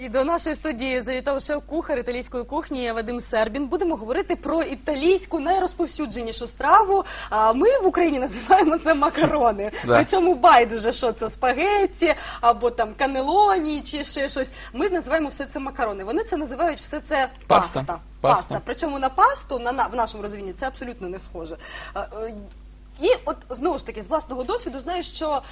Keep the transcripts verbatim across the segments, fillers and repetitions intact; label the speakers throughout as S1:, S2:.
S1: І до нашої студії завітав шеф-кухар італійської кухні Вадим Сербін. Будемо говорити про італійську найрозповсюдженішу страву. А ми в Україні називаємо це макарони.
S2: Да.
S1: Причому байдуже, що це спагетті, або там канелоні, чи ще щось. Ми називаємо все це макарони. Вони це називають все це
S2: Паста.
S1: паста.
S2: Паста.
S1: Паста. Причому на пасту на, на, в нашому розумінні це абсолютно не схоже. А, е, І от знову ж таки з власного досвіду знаю, що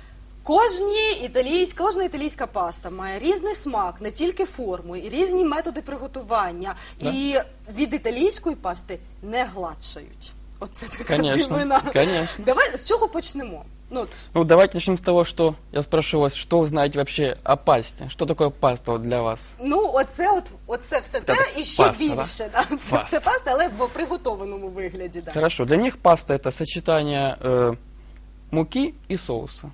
S1: Кожні італійська, кожна італійська паста має різний смак, не тільки форму, і різні методи приготування.
S2: Да.
S1: І від італійської пасти не гладшають. Оце така
S2: Конечно,
S1: дивина.
S2: конечно.
S1: Давай, з чого почнемо? Ну, от,
S2: Ну, давайте начнем с того, что я спрошу вас, что вы знаете вообще о пасте? Что такое паста вот для вас?
S1: ну оце, от, оце все те
S2: Так,
S1: і ще
S2: паста,
S1: більше. Да? Це
S2: Паста.
S1: все паста, але в приготованому вигляді. Да.
S2: Хорошо, для них паста это сочетание э, муки и соуса.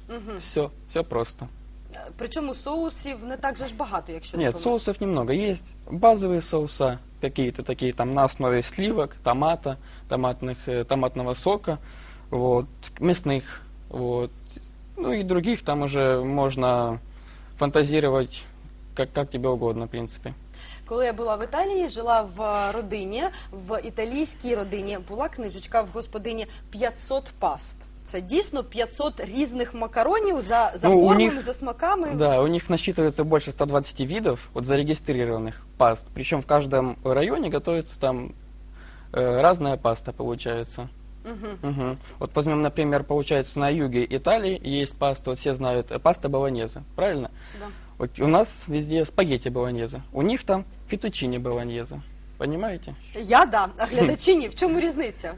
S2: Все, все просто.
S1: Причому соусів не так же ж багато, якщо не
S2: Нет,
S1: помиляюсь.
S2: соусов немного. Есть базовые соуса, какие-то такие там на основе сливок, томата, томатных, э, томатного сока, вот, мясных, вот. Ну и других там уже можно фантазировать как, как тебе угодно, в принципе.
S1: Коли я була в Італії, жила в родині, в італійській родині була книжечка в господині п'ятсот паст. Це дійсно п'ятсот різних макаронів за, за
S2: Ну, у
S1: формами,
S2: них-
S1: за смаками.
S2: Да, у них насчитывается больше ста двадцати видов вот, зарегистрированных паст. Причем в каждом районе готовится там э, разная паста, получается. Мгм. Вот возьмем, например, получается на юге Италии есть паста, вот все знают, э, паста болоньезе, правильно?
S1: Да.
S2: Вот у нас везде спагетти болоньезе, у них там фетучини болоньезе, понимаете?
S1: Я да, а глядачі ні. В чому різниця?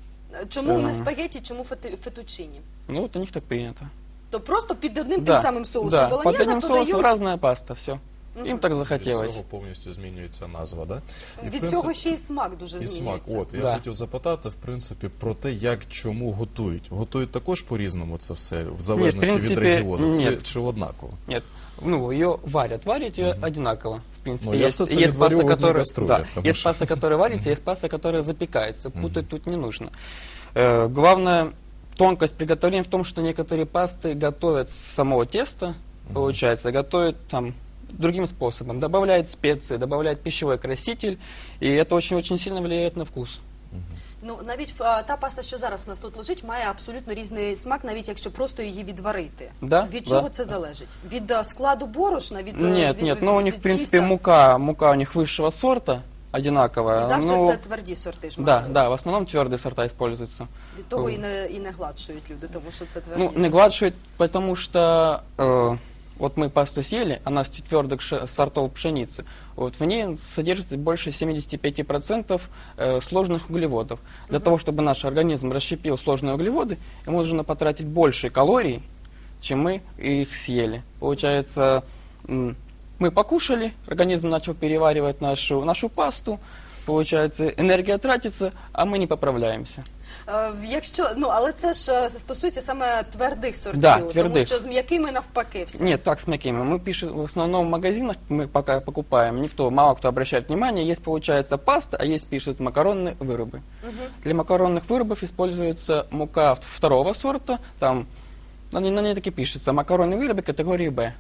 S1: Чому не
S2: Ем.
S1: спагетті, чому фети- фетучині?
S2: Ну вот у них так принято.
S1: То просто під одним
S2: Да,
S1: тим самим соусом
S2: да, под
S1: болоньєза
S2: одним соусом
S1: додають.
S2: разная паста, все. Им так
S3: Від
S2: захотелось.
S3: цього повністю змінюється назва, да? І, в
S1: Від
S3: принципі,
S1: цього ще й смак дуже
S3: і смак.
S1: змінюється.
S3: От, я
S2: Да.
S3: хотів запитати, в принципі, про те, як, чому готують. Готують також по-різному це все, в залежності
S2: принципі,
S3: від регіону? Це
S2: ні.
S3: чи однаково?
S2: Нет, ну ее варят, варят ее одинаково. В принципе,
S3: Ну, я
S2: есть,
S3: все це
S2: есть
S3: відварю
S2: паста,
S3: в одній
S2: которая,
S3: каструлі,
S2: да,
S3: тому
S2: есть
S3: що-
S2: паста, которая варится, есть паста, которая запекается. Путать тут не нужно. Э, главная тонкость приготовления в том, что некоторые пасты готовят с самого теста, получается, готовят там другим способом, добавляют специи, добавляют пищевой краситель, и это очень-очень сильно влияет на вкус.
S1: Ну, навіть а, та паста, що зараз у нас тут лежить, має абсолютно різний смак, навіть якщо просто її відварити.
S2: Да,
S1: Від
S2: да.
S1: чого це залежить? Від а, складу борошна, від е,
S2: Нет,
S1: від,
S2: нет, но у
S1: від
S2: них, в принципе,
S1: тіста?
S2: мука, мука у них высшего сорта, одинаковая.
S1: І завжди
S2: ну,
S1: це тверді сорти ж
S2: да,
S1: мають.
S2: да, в основном твердые сорта используются.
S1: Від того і не, і не гладшують люди, тому що це тверді
S2: Ну,
S1: сорти.
S2: не гладшует, потому что э, вот мы пасту съели, она с твердых ше- сортов пшеницы. Вот в ней содержится больше семидесяти пяти процентов э, сложных углеводов. Для того, чтобы наш организм расщепил сложные углеводы, ему нужно потратить больше калорий, чем мы их съели. Получается, м, мы покушали, организм начал переваривать нашу, нашу пасту, получается, энергия тратится, а мы не поправляемся.
S1: Е, Якщо, ну, але це ж е, стосується саме твердих сортів,
S2: Да,
S1: тому
S2: твердих.
S1: що з м'якими навпаки все.
S2: Нет, так с мякими. Мы пишем в основном в магазинах, мы пока покупаем, никто, мало кто обращает внимание, есть, получается, паста, а есть, пишут, макаронные вырубы. Для макаронных вырубов используется мука в- второго сорта, там на ней, на ней так и пишется, макаронные вырубы категории Б.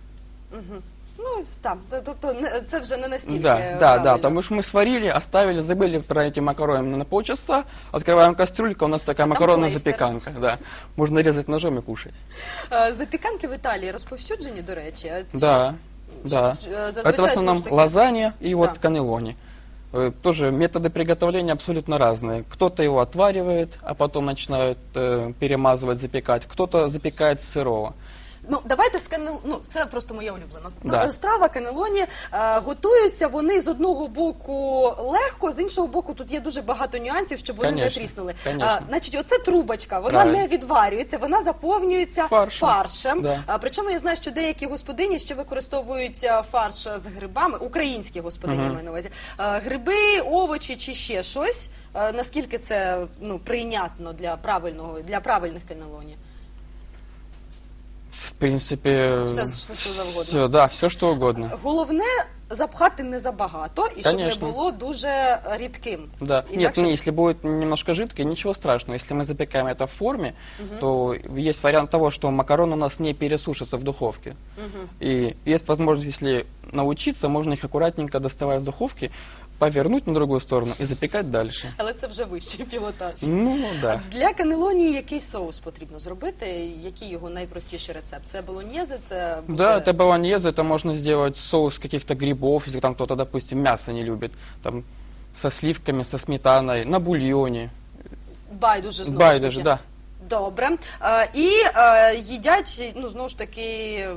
S1: Ну, там, т- тобто не- це вже не настільки
S2: Да, да,
S1: правильно.
S2: да, потому что мы сварили, оставили, забыли про эти макароны на полчаса, открываем кастрюльку, у нас такая
S1: там
S2: макаронная
S1: клейстер.
S2: запеканка, да. Можно резать ножом и кушать.
S1: Е, Запіканки в Італії розповсюджені, до речі. А це-
S2: Да, да.
S1: Ш- е, зазвичай,
S2: Это в основном
S1: знову ж таки,
S2: лазанья и вот
S1: Да.
S2: каннелони. Э, Тоже методы приготовления абсолютно разные. Кто-то его отваривает, а потом начинают э, перемазывать, запекать. Кто-то запекает с сырого.
S1: Ну, давайте з канел... ну, це просто моя улюблена
S2: Да.
S1: страва, канелоні. Е, готуються вони з одного боку легко, з іншого боку тут є дуже багато нюансів, щоб вони не
S2: Конечно,
S1: тріснули.
S2: конечно.
S1: Е, значить, оце трубочка, вона
S2: Правильно.
S1: не відварюється, вона заповнюється
S2: Фаршем.
S1: фаршем.
S2: Да.
S1: А, причому я знаю, що деякі господині ще використовують е, фарш з грибами, українські господині, я маю на увазі. Е, гриби, овочі чи ще щось. Е, наскільки це ну, прийнятно для правильного, для правильних канелоні?
S2: В принципе,
S1: Все, все, що завгодно.
S2: все, да, все что угодно.
S1: Головне запхати не забагато і щоб не
S2: Конечно.
S1: було дуже рідким.
S2: Да.
S1: І
S2: Нет,
S1: так, щоб-
S2: не, если будет немножко жидкое, ничего страшного. Если мы запекаем это в форме, то есть вариант того, что макароны у нас не пересушатся в духовке. И есть возможность, если научиться, можно их аккуратненько, доставая из духовки, повернуть на другую сторону и запекать дальше.
S1: Але це вже вищий пілотаж.
S2: Ну, да.
S1: Для канелоні який соус потрібно зробити? Який його найпростіший рецепт? Це болоньєзе, це буде...
S2: Да, это болоньезе, это можно сделать соус каких-то грибов, если там кто-то, допустим, мясо не любит, там, со сливками, со сметаной, на бульоне.
S1: Байдуже, знову
S2: Байдуже,
S1: ж таки.
S2: да.
S1: Добре. Е, і е, їдять, ну, знову ж таки, е,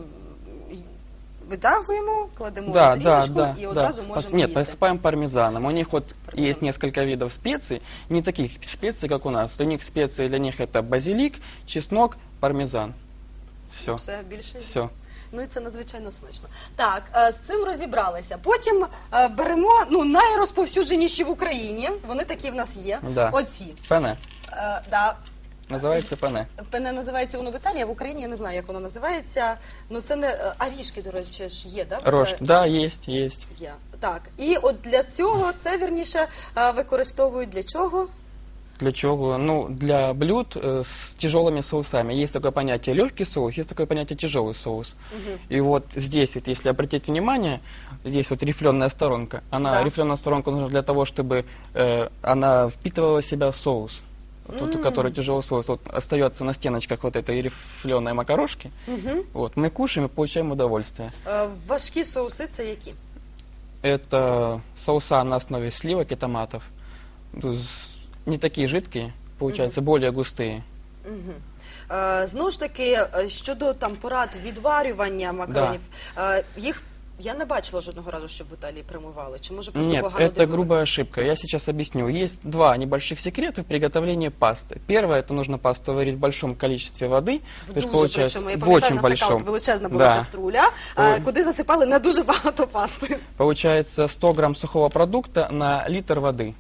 S1: витягуємо, кладемо
S2: Да,
S1: на
S2: да,
S1: тарілочку
S2: да,
S1: і
S2: да.
S1: одразу
S2: Пос-
S1: можемо
S2: Нет,
S1: їсти.
S2: посыпаем пармезаном. У них вот
S1: Пармезан.
S2: есть несколько видов специй, не таких специй, как у нас. У них специи для них это базилик, чеснок, пармезан. Все,
S1: Все більше.
S2: все.
S1: Ну і це надзвичайно смачно. Так, е, з цим розібралися. Потім е, беремо ну, найрозповсюдженіші в Україні. Вони такі в нас є.
S2: Да.
S1: Оці.
S2: Пене.
S1: Е, да.
S2: Называется пене.
S1: Пене називається воно в Італії, а в Україні я не знаю, як воно називається. Ну це не е, арішки, до речі, ж є, да?
S2: Рожь.
S1: Е,
S2: Да, есть, есть.
S1: Є. Так. І от для цього це вірніше е, використовують для чого?
S2: Для чего? Ну, для блюд э, с тяжелыми соусами. Есть такое понятие легкий соус, есть такое понятие тяжелый соус. И вот здесь, вот, если обратить внимание, здесь вот рифленая сторонка. Она,
S1: Да.
S2: рифленая сторонка нужна для того, чтобы э, она впитывала в себя соус. Тот, который тяжелый соус, вот остается на стеночках вот этой рифленой макарошки. Вот, мы кушаем и получаем удовольствие.
S1: Е, важкі соуси це які?
S2: Это соуса на основе сливок и томатов. То есть не такие жидкие, получается, более густые.
S1: Е, Знову ж таки, е, щодо там порад відварювання макаронів, е, їх я не бачила жодного разу, щоб в Італії промивали. Чи може просто
S2: Нет,
S1: погано
S2: это
S1: дивили?
S2: грубая ошибка. Я сейчас объясню. Есть два небольших секрета приготовления пасты. Первое, это нужно пасту варить в большом количестве воды.
S1: В
S2: то есть
S1: дуже
S2: получается
S1: причому. Я
S2: в
S1: пам'ятаю,
S2: очень
S1: у нас така
S2: большом.
S1: от величезна була
S2: Да.
S1: каструля, е,
S2: Ой.
S1: куди засипали не дуже багато пасти.
S2: Получается сто грамм сухого продукта на литр воды.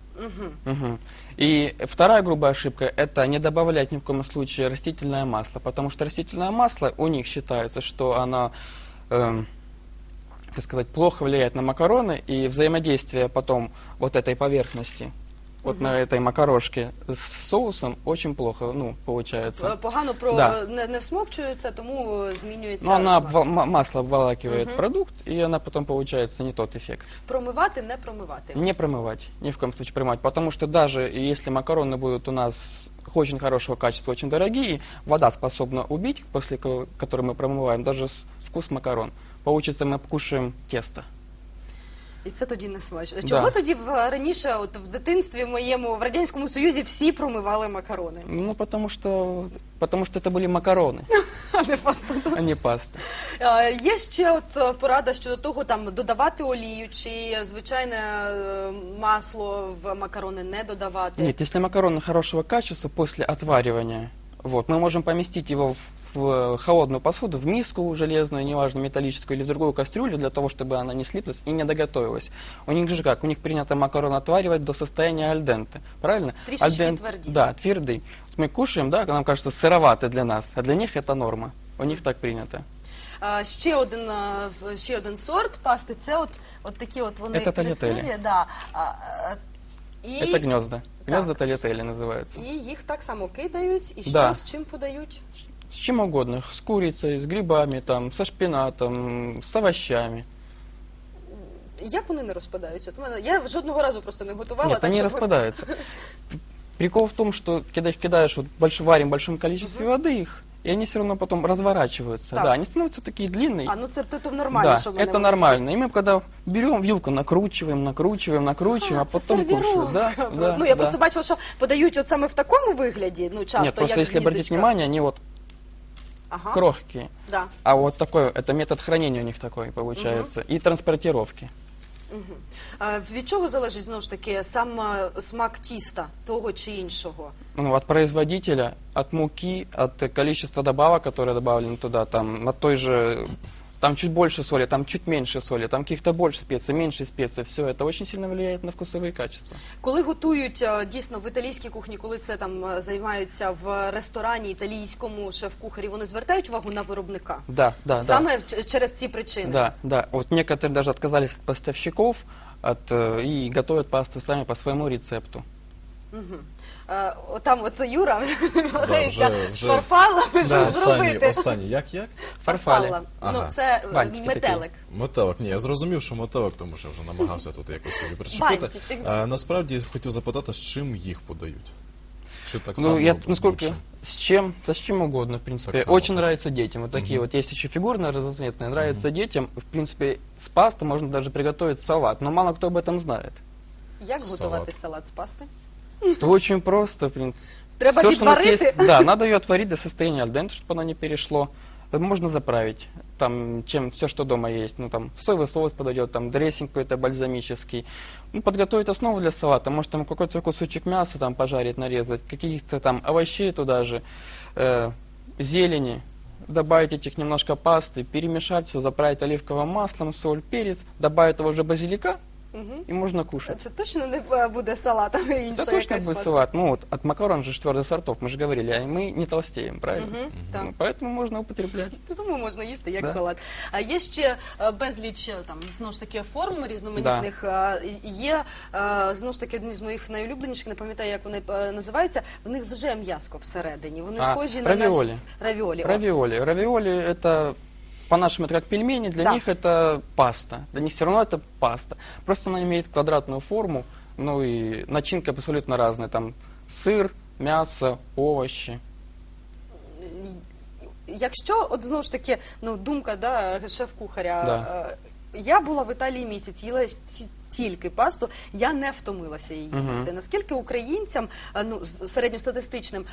S2: Мгм. И вторая грубая ошибка – это не добавлять ни в коем случае растительное масло, потому что растительное масло у них считается, что оно, эм, как сказать, плохо влияет на макароны, и взаимодействие потом вот этой поверхности, вот на этой макарошке с соусом очень плохо, ну,
S1: Е,
S2: получается.
S1: Погано про
S2: Да.
S1: не, не всмокчується, тому е, змінюється
S2: Но она
S1: смак.
S2: обва- ма- масло обволакивает продукт, и она потом получается не тот эффект.
S1: Промивати, не промивати.
S2: Не промывать, ни в коем случае промывать, потому что даже если макароны будут у нас очень хорошего качества, очень дорогие, вода способна убить, после ко- которой мы промываем, даже с- вкус макарон. Получится, мы кушаем тесто.
S1: І це тоді не смачно.
S2: Да.
S1: Чого тоді в, раніше, от в дитинстві моєму, в Радянському Союзі всі промивали макарони,
S2: Ну, потому что, потому что это были макароны,
S1: а не пасту?
S2: а не паста.
S1: Е, Є ще от е, порада щодо того, там додавати олію чи звичайне е, масло в макарони не додавати.
S2: Нет, если макароны хорошего качества после отваривания, вот, мы можем поместить его в, в холодную посуду, в миску железную, неважно, металлическую, или в другую кастрюлю, для того, чтобы она не слиплась и не доготовилась. У них же как? У них принято макароны отваривать до состояния альденте, правильно?
S1: Трішечки
S2: Альден-
S1: тверді.
S2: Да, твердый. Вот мы кушаем, да, нам кажется, сыровато для нас, а для них это норма. У них так принято.
S1: Е, Ще один, е, ще один сорт пасти, це от, от такі от вони
S2: Це
S1: красиві.
S2: тальятелі.
S1: Да. А, е, І,
S2: Это гнезда. Гнезда
S1: Так.
S2: тальятели называются.
S1: і їх так само кидають, і що
S2: Да.
S1: з чим подають?
S2: С чем угодно. С курицей, с грибами, там, со шпинатом, с овощами.
S1: Як вони не розпадаються? От у мене, я жодного разу просто не готувала.
S2: Нет,
S1: так,
S2: они
S1: щоб-
S2: распадаются. Прикол в том, что когда их кидаешь, вот больш, варим в большом количестве воды их, и они все равно потом разворачиваются.
S1: Так.
S2: Да, они становятся такие длинные.
S1: А, ну це то, то нормально,
S2: Да,
S1: що вони
S2: это
S1: вони
S2: нормально. И мы когда берем вилку, накручиваем, накручиваем, накручиваем, а,
S1: А, це
S2: потом кушаем. Да,
S1: сервіровка.
S2: да,
S1: ну, я
S2: да.
S1: просто бачила, що подають от саме в такому вигляді, ну, часто,
S2: Нет, просто
S1: як
S2: если обратить
S1: гніздечка.
S2: внимание, они вот
S1: Ага,
S2: крохкие.
S1: да.
S2: А вот такой, это метод хранения у них такой получается. И транспортировки.
S1: А від чого залежить, знову ж таки, сам а, смак тіста, того чи іншого?
S2: Ну, от производителя, от муки, от количества добавок, которые добавлены туда, там, от той же там чуть больше соли, там чуть меньше соли, там каких-то больше специй, меньше специй. Все это очень сильно влияет на вкусовые качества.
S1: Коли готують е, дійсно в італійській кухні, коли це там е, займаються в ресторані італійському шеф-кухарі, вони звертають увагу на виробника?
S2: Да, да,
S1: Саме ч- через ці причини?
S2: да. Да, да. Вот некоторые даже отказались от поставщиков от, э, и готовят пасту сами по своему рецепту.
S1: Е, Там от Юра вже намагається
S3: вже-
S1: з
S3: вже-
S1: фарфалами
S2: Да.
S1: щось
S3: Останній,
S1: зробити.
S3: останній, як, як?
S2: Фарфали.
S1: Фарфала.
S3: Ага.
S1: Ну, це е,
S2: Бантики
S1: метелик.
S3: Метелик. Ні, я зрозумів, що метелик, тому що вже намагався тут якось собі причепити.
S1: Бантичок.
S3: А, насправді хотів запитати, з чим їх подають? Чи так само?
S2: Ну, я,
S3: з
S2: насколько,
S3: будь-чим?
S2: с чем, да с чем угодно, в принципе.
S3: Так само,
S2: Очень
S3: да.
S2: нравится детям. Вот такие вот, есть еще фигурные, разноцветные. Нравится детям. В принципе, с пасты можно даже приготовить салат, но мало кто об этом знает.
S1: Як
S3: Салат.
S1: готувати салат з пасти?
S2: Это очень просто, в принципе.
S1: Треба
S2: Всё, что у нас
S1: відварити?
S2: есть- Да, надо ее отварить до состояния альденте, чтобы оно не перешло. Э, Можно заправить, там, чем все, что дома есть. Ну, там, соевый соус подойдет, там, дрессинг какой-то бальзамический. Ну, подготовить основу для салата. Может, там, какой-то кусочек мяса там пожарить, нарезать, каких-то там овощей туда же, э, зелени. Добавить этих немножко пасты, перемешать все, заправить оливковым маслом, соль, перец, добавить того же базилика,
S1: Мгм.
S2: и можно кушать.
S1: Це точно не е, буде салат, а не інша
S2: Это точно
S1: якась
S2: будет
S1: паста.
S2: салат. Ну вот, от макарон же твердых сортов, мы же говорили, а мы не толстеем, правильно?
S1: Мгм, так.
S2: Ну, поэтому можно употреблять.
S1: Тому можна їсти як
S2: Да.
S1: салат. А є ще е, безліч е, там знову ж таки форм різноманітних. Е, Є е, знову ж таки одні з моїх найулюбленіших, не пам'ятаю, як вони е, називаються. В них вже м'яско всередині. Вони
S2: А,
S1: схожі на
S2: равіолі.
S1: наші равіолі. о.
S2: Равиоли. Равиоли это, по-нашему, это как пельмени, для
S1: Да.
S2: них это паста. Для них все равно это паста. Просто она имеет квадратную форму, ну и начинка абсолютно разная. Там сыр, мясо, овощи.
S1: Якщо, от знову ж таки, ну думка да, шеф-кухаря.
S2: Да.
S1: е, Я була в Італії місяць, їла ті- тільки пасту, я не втомилася її
S2: Мгм.
S1: їсти. Наскільки українцям, е, ну, з- середньостатистичним,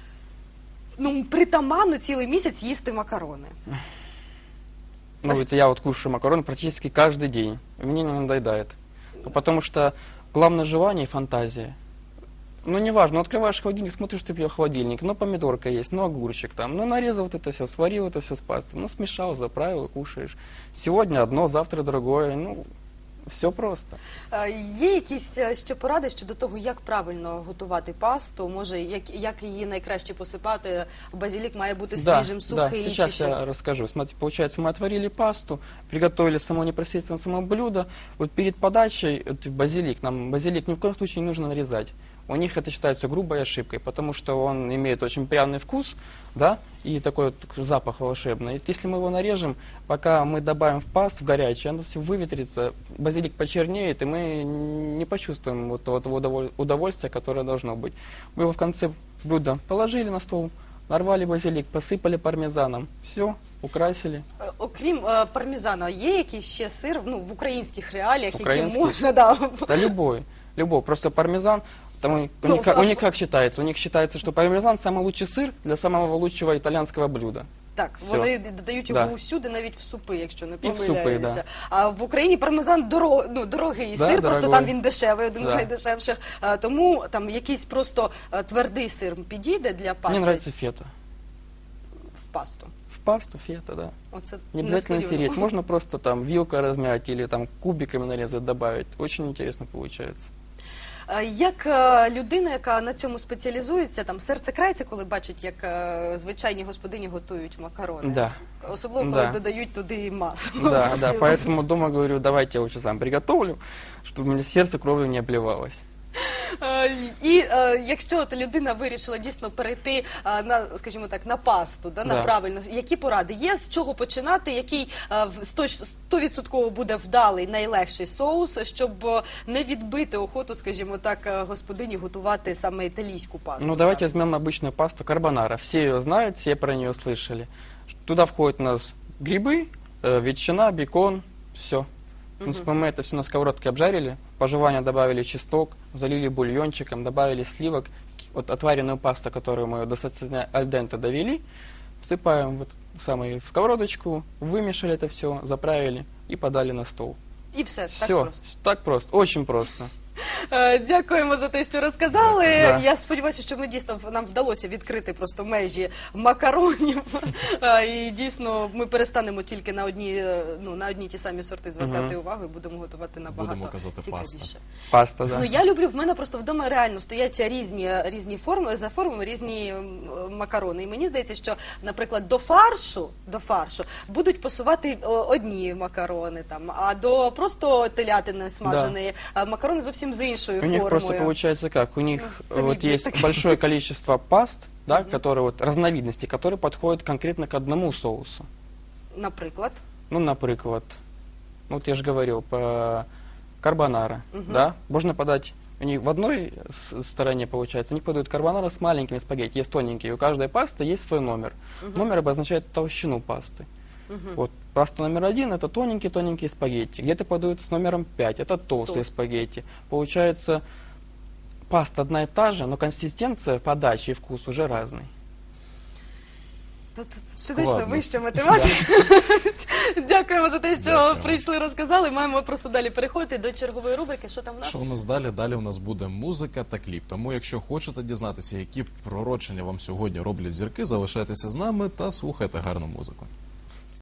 S1: ну, притаманно цілий місяць їсти макарони?
S2: Ну,
S1: Ос-
S2: это я вот кушаю макароны практически каждый день. И мне не надоедает. Ну, Потому что главное желание и фантазия. Ну, неважно, ну, открываешь холодильник, смотришь, ты пьешь холодильник, ну, помидорка есть, ну, огурчик там, ну, нарезал вот это все, сварил это все с пастой, ну, смешал, заправил и кушаешь. Сегодня одно, завтра другое, ну, все просто.
S1: Е, Є якісь е, ще поради щодо того, як правильно готувати пасту? Може, як, як її найкраще посипати? Базилік має бути свіжим,
S2: да,
S1: сухий чи
S2: сейчас
S1: щось?
S2: я расскажу. Смотрите, получается, мы отварили пасту, приготовили само непосредственно само блюдо. Вот перед подачей вот базилик, нам базилик ни в коем случае не нужно нарезать. У них это считается грубой ошибкой, потому что он имеет очень пряный вкус, да, и такой вот запах волшебный. И если мы его нарежем, пока мы добавим в пасту, в горячее, оно все выветрится, базилик почернеет, и мы не почувствуем вот того того удоволь- удовольствия, которое должно быть. Мы его в конце блюда положили на стол, нарвали базилик, посыпали пармезаном, все, украсили.
S1: Е, Окрім е, пармезана, є якийсь ще сир ну, в українських реаліях, які
S2: Український?
S1: можна да,
S2: Да любой, любой, просто пармезан, там у них, у
S1: Ну,
S2: них как-
S1: а-
S2: у них как считается? У них считается, что пармезан самый лучший сыр для самого лучшего итальянского блюда.
S1: Так,
S2: Всё.
S1: вони додають його
S2: Да.
S1: усюди, навіть в супи, якщо не
S2: І в супи,
S1: помиляюся.
S2: да.
S1: А в Україні пармезан доро, ну, дорогий
S2: Да,
S1: сир, просто
S2: дорогой.
S1: там він дешевий, один з
S2: Да.
S1: найдешевших. А, тому там якийсь просто е, твердий сир підійде для пасти
S2: Мне нравится фета.
S1: в пасту.
S2: В пасту фета, да.
S1: Оце
S2: Не обязательно
S1: несподівано.
S2: тереть, можно просто там вилкой размять или там кубиками нарезать, добавить. Очень интересно получается.
S1: Е, Як е, людина, яка на цьому спеціалізується, там серце крається, коли бачить, як е, звичайні господині готують макарони.
S2: Да.
S1: Особливо, коли
S2: Да.
S1: додають туди масло.
S2: Да, да, поэтому дома говорю, давайте я лучше сам приготовлю, чтобы у меня сердце кровью не обливалось.
S1: Е, І е, якщо от людина вирішила дійсно перейти е, на, скажімо так, на пасту, да, на
S2: Да.
S1: правильно, які поради є, з чого починати, який е, в- сто- стовідсотково буде вдалий, найлегший соус, щоб е, не відбити охоту, скажімо так, е, господині готувати саме італійську пасту?
S2: Ну, давайте возьмем обычную пасту карбонара. Все ее знают, все про нее слышали. Туда входят у нас грибы, э, ветчина, бекон, все. В принципе, мы это все на сковородке обжарили, по желанию добавили чеснок, залили бульончиком, добавили сливок, к- вот отваренную пасту, которую мы до состояния альденте довели, всыпаем вот самый в сковородочку, вымешали это все, заправили и подали на стол.
S1: І все, так
S2: Все,
S1: просто.
S2: так просто, очень просто.
S1: Е, Дякуємо за те, що розказали.
S2: Да.
S1: Я сподіваюся, що ми дійсно нам вдалося відкрити просто межі макаронів. Е, І дійсно ми перестанемо тільки на одні, е, ну, на одні ті самі сорти звертати увагу і будемо готувати набагато
S3: Будемо казати
S1: цікавіше.
S3: паста.
S2: Паста, да.
S1: Ну я люблю, в мене просто вдома реально стоять різні, різні форми, за формами різні м, макарони. І мені здається, що, наприклад, до фаршу, до фаршу будуть пасувати о, одні макарони, там, а до просто телятини смаженої а макарони зовсім з іншою
S2: У
S1: формою.
S2: них просто получается как? У них
S1: Ну,
S2: вот
S1: цемент
S2: есть
S1: такой.
S2: большое количество паст, да, которые вот разновидности, которые подходят конкретно к одному соусу.
S1: Наприклад.
S2: Ну, например, вот я же говорил, по карбонара, да, можно подать, у них в одной с- стороне, получается, они подают карбонара с маленькими спагетти, есть тоненькие, у каждой пасты есть свой номер. Номер обозначает толщину пасты. Вот паста номер один — это тоненькие-тоненькие спагетти, где-то подают с номером пять, это толстые
S1: Толстые.
S2: спагетти. Получается, паста одна и та же, но консистенция, подача и вкус уже разный.
S1: Тут
S3: Складно.
S1: фізично вища математика. Дякуємо за те, що
S3: Дякую.
S1: прийшли, розказали. Маємо просто далі переходити до чергової рубрики. Що там в нас?
S3: Що у нас далі? Далі у нас буде музика та кліп. Тому, якщо хочете дізнатися, які пророчення вам сьогодні роблять зірки, залишайтеся з нами та слухайте гарну музику.